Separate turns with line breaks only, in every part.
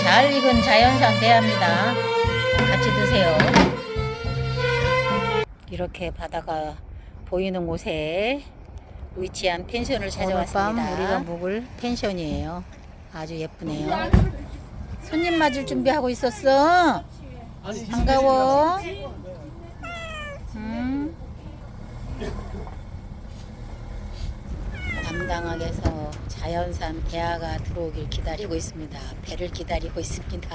잘 익은 자연산 대합니다. 같이 드세요. 이렇게 바다가 보이는 곳에 위치한 펜션을 찾아왔습니다. 오늘 밤 우리가 묵을 펜션이에요. 아주 예쁘네요. 손님 맞을 준비하고 있었어. 반가워. 담당항에서 자연산 대하가 들어오길 기다리고 있습니다. 배를 기다리고 있습니다.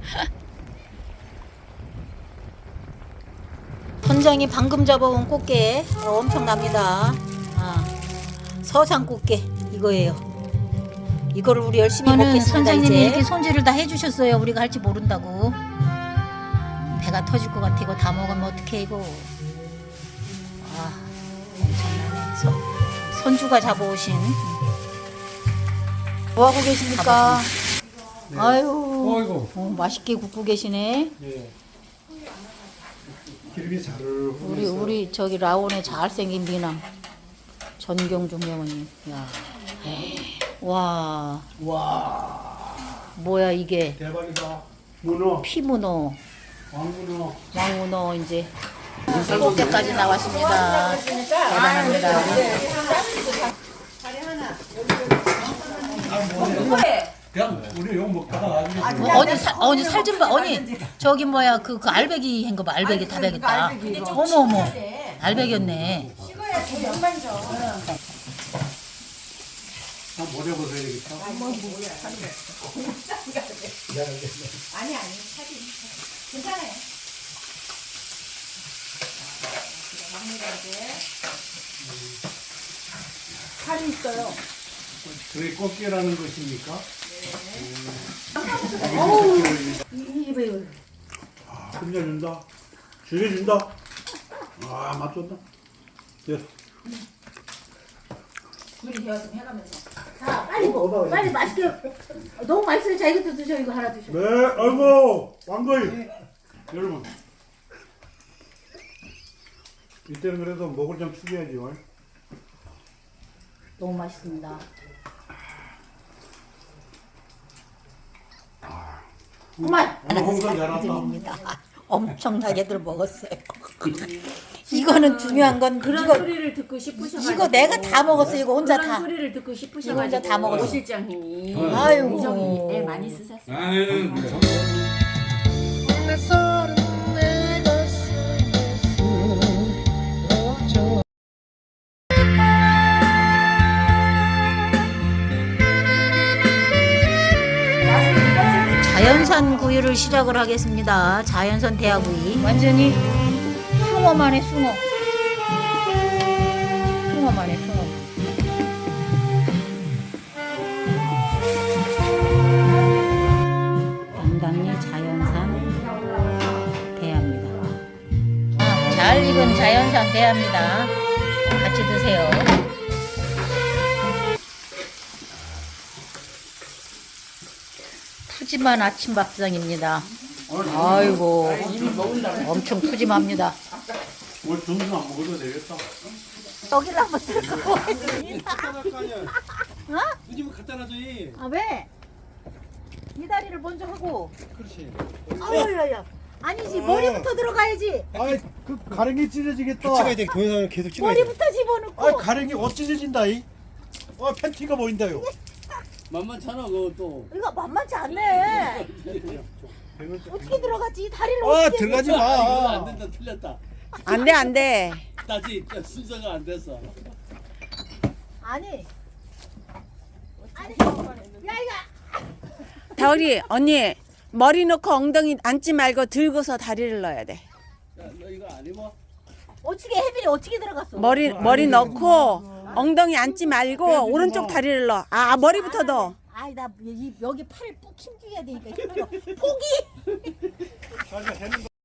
선장이 방금 잡아온 꽃게 엄청납니다. 서산 꽃게 이거예요. 이거를 우리 열심히 먹겠습니다. 선장님이 이제 이렇게 손질을 다 해주셨어요. 우리가 할지 모른다고. 배가 터질 것 같아. 이거 다 먹으면 어떡해 이거. 엄청나네. 손주가 잡아오신. 뭐하고 계십니까?
네.
아유, 맛있게 굽고 계시네.
예. 기름이 잘
우리 저기 라온의 잘생긴 미남 전경중 회원님. 야, 와, 뭐야 이게?
대박이다. 문어,
피문어,
왕문어,
왕문어 이제 꽃게까지 나왔습니다. 대단합니다.
그냥 우리 용 먹다가 나중에
언니 살 좀 봐. 언니 저기 뭐야 그 알배기 한 거 봐. 알배기 다 배겼다. 어머 알배겼네.
한 모래 벗어야 되겠다.
아니 사진 괜찮아요. 살이 있어요.
저게 꽃게라는 것입니까? 끝내준다. 죽여준다. 맛 좋다. 예.
둘이 되었으면 해가면서. 자, 빨리 맛있게. 너무 맛있어요. 자, 이것도 드셔. 이거 하나 드셔.
네, 아이고, 왕거이. 여러분. 이때는 그래도 먹을 좀 축여야죠.
너무 맛있습니다.
그만.
오늘 홍선 잘한다.
드립니다. 엄청나게들 먹었어요. 이거는 중요한 건
그런
이거
소리를 듣고 싶으셔가지고.
이거 내가 다 먹었어요. 이거 혼자
그런
다.
소리를 듣고
이거
싶으셔가지고.
혼자 다 먹었어.
오 실장님이.
아이고.
우정이 애 많이 쓰셨어요.
자연산 구이를 시작을 하겠습니다. 자연산 대하구이. 완전히 숭어만의 숭어. 숭어만의 숭어. 담당리 자연산 대하입니다. 잘 익은 자연산 대하입니다. 같이 드세요. 푸짐한 아침 밥상입니다. 아이고, 엄청 푸짐합니다.
오늘 점심 안 먹어도 되겠다.
떡이를 한번 들고 오겠습니다.
누님은 갖다 놔줘이.
아 왜? 이 다리를 먼저 하고.
그렇지.
아야야. 아니지 머리부터 들어가야지.
아이, 그 가랭이 찢어지겠다. 찍어야 돼. 동영상을 계속 찍어야 돼.
머리부터 집어넣고.
아, 가랭이 찢어진다 이. 팬티가 보인다요.
만만찮아 그것도.
이거 만만치 않네. 어떻게 들어가지? 이 다리를 어떻게?
들어가지
이거
마.
안 된다 틀렸다.
안돼
다시 순서가 안 됐어.
아니. 야 이거.
다우리 언니 머리 놓고 엉덩이 앉지 말고 들고서 다리를 넣어야 돼.
야, 너 이거 안 입어?
어떻게 혜빈이 어떻게 들어갔어?
머리 넣고 엉덩이 앉지 말고 오른쪽 다리를 넣어. 머리부터 넣어.
아이 나 여기 팔을 푹 힘줘야 되니까 힘들어. 포기.
자기가 해는